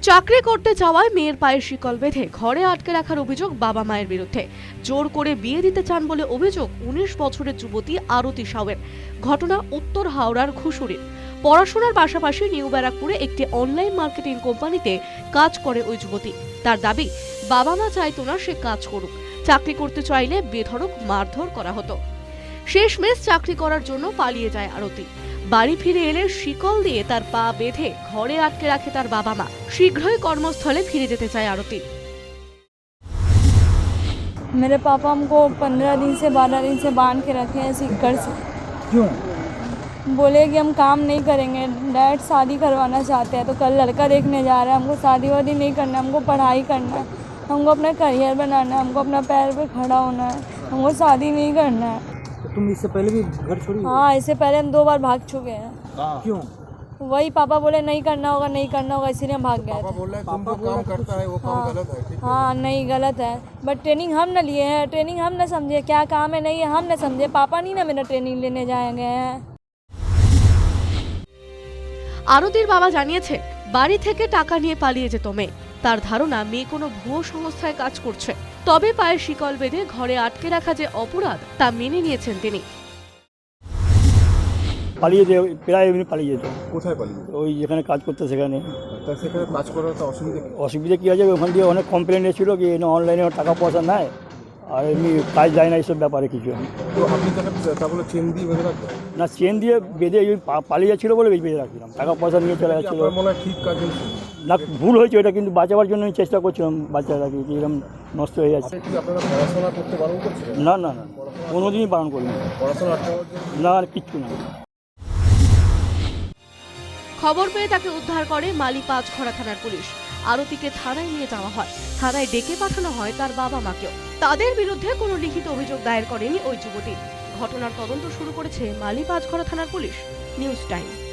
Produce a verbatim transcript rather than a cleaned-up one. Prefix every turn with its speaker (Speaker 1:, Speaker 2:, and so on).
Speaker 1: চাকরি করতে যাওয়ায় মেয়ের পায়ে শিকল বেঁধে ঘরে আটকে রাখার অভিযোগ বাবা মায়ের বিরুদ্ধে। জোর করে বিয়ে দিতে চান বলে অভিযোগ উনিশ বছরের যুবতী আরতি সাউয়ের। ঘটনা উত্তর হাওড়ার ঘুষুরির। পড়াশোনার পাশাপাশি নিউ ব্যারাকপুরে একটি অনলাইন মার্কেটিং কোম্পানিতে কাজ করে ওই যুবতী। তার দাবি, বাবা মা চাইতো না সে কাজ করুক, চাকরি করতে চাইলে বেধড়ক মারধর করা হতো। শেষমেশ চাকরি করার জন্য পালিয়ে যায় আরতি। বাড়ি ফিরে এলে শিকল দিয়ে তার পা বেঁধে ঘরে আটকে রাখে তার বাবা মা। শীঘ্রই কর্মস্থলে ফিরে যেতে চায় আরতি।
Speaker 2: मेरे पापा हमको पंद्रह दिन से बारह दिन से बांध के रखे हैं सीकर से।
Speaker 3: क्यों?
Speaker 2: बोले कि हम काम नहीं करेंगे, डैड शादी करवाना चाहते हैं, तो कल लड़का देखने जा रहे हैं। हमको शादी वादी नहीं करना है, हमको पढ़ाई करना है, हमको अपना करियर बनाना है, हमको अपना पैर पे खड़ा होना है, हमको शादी नहीं करना है।
Speaker 3: तो तुम इससे पहले भी घर छोड़ी?
Speaker 2: हाँ, इससे पहले हम दो बार भाग चुके हैं।
Speaker 3: क्यों?
Speaker 2: वही पापा बोले नहीं करना होगा, नहीं करना होगा, इसीलिए हम भाग गए
Speaker 4: पापा
Speaker 2: थे।
Speaker 4: बोल रहे हैं तुम जो काम करता है वो काम
Speaker 2: हाँ।
Speaker 4: गलत है, ठीक है?
Speaker 2: हाँ, नहीं गलत है, बट ट्रेनिंग हम न लिए हैं, ट्रेनिंग हम न समझे क्या काम है नहीं है, हम न समझे। पापा नहीं ना मेरा ट्रेनिंग लेने जाएंगे हैं।
Speaker 1: আরতির বাবা জানিয়েছে, বাড়ি থেকে টাকা নিয়ে পালিয়ে যেত মেয়ে। তার ধারণা মেয়ে কোনো ভুয়ো সংস্থায় কাজ করছে। তবে পায়ে শিকল বেঁধে ঘরে আটকে রাখা যে অপরাধ তা মেনে নিয়েছেন তিনি।
Speaker 5: পালিয়ে যেত, প্রায় এমনি পালিয়ে যেত।
Speaker 4: কোথায় পালিয়ে?
Speaker 5: ওই যেখানে কাজ করতে সেখানে।
Speaker 4: তা সেখানে কাজ করার তো অসুবিধা কি?
Speaker 5: অসুবিধা কী আছে, ওখান দিয়ে অনেক কমপ্লেন এসেছিলো কি অনলাইনে টাকা পয়সা নেয় আর এমনি কাজ যায় না, এইসব ব্যাপারে কিছু।
Speaker 4: তো আপনি তাকে তা বলে চেন দিয়ে বেঁধে রাখবেন?
Speaker 5: না, চেন দিয়ে বেঁধে ওই পা- পালিয়ে যাচ্ছিলো বলে বেঁধে রাখছিলাম, টাকা পয়সা নিয়ে চলে যাচ্ছিলো।
Speaker 4: আপনার মনে হয় ঠিক কাজ হয়েছে?
Speaker 5: না, ভুল হয়েছে ওটা, কিন্তু বাঁচাবার জন্য আমি চেষ্টা করছিলাম বাচ্চাটাকে, যে এরকম নষ্ট হয়ে যাচ্ছে।
Speaker 4: আপনি কি আপনারা পড়াশোনা করতে বারণ করছিলেন?
Speaker 5: না না না, কোনোদিনই বারণ করিনি।
Speaker 4: পড়াশোনা আটকাবার জন্য?
Speaker 5: না, আর কিচ্ছু না।
Speaker 1: খবর পেয়ে তাকে উদ্ধার করে মালি পাঁচঘড়া থানার পুলিশ। আরতিকে থানায় নিয়ে যাওয়া হয়। থানায় ডেকে পাঠানো হয় তার বাবা মাকেও। তাদের বিরুদ্ধে কোনো লিখিত অভিযোগ দায়ের করেনি ওই যুবতী। ঘটনার তদন্ত শুরু করেছে মালি পাঁচঘড়া থানার পুলিশ। News time.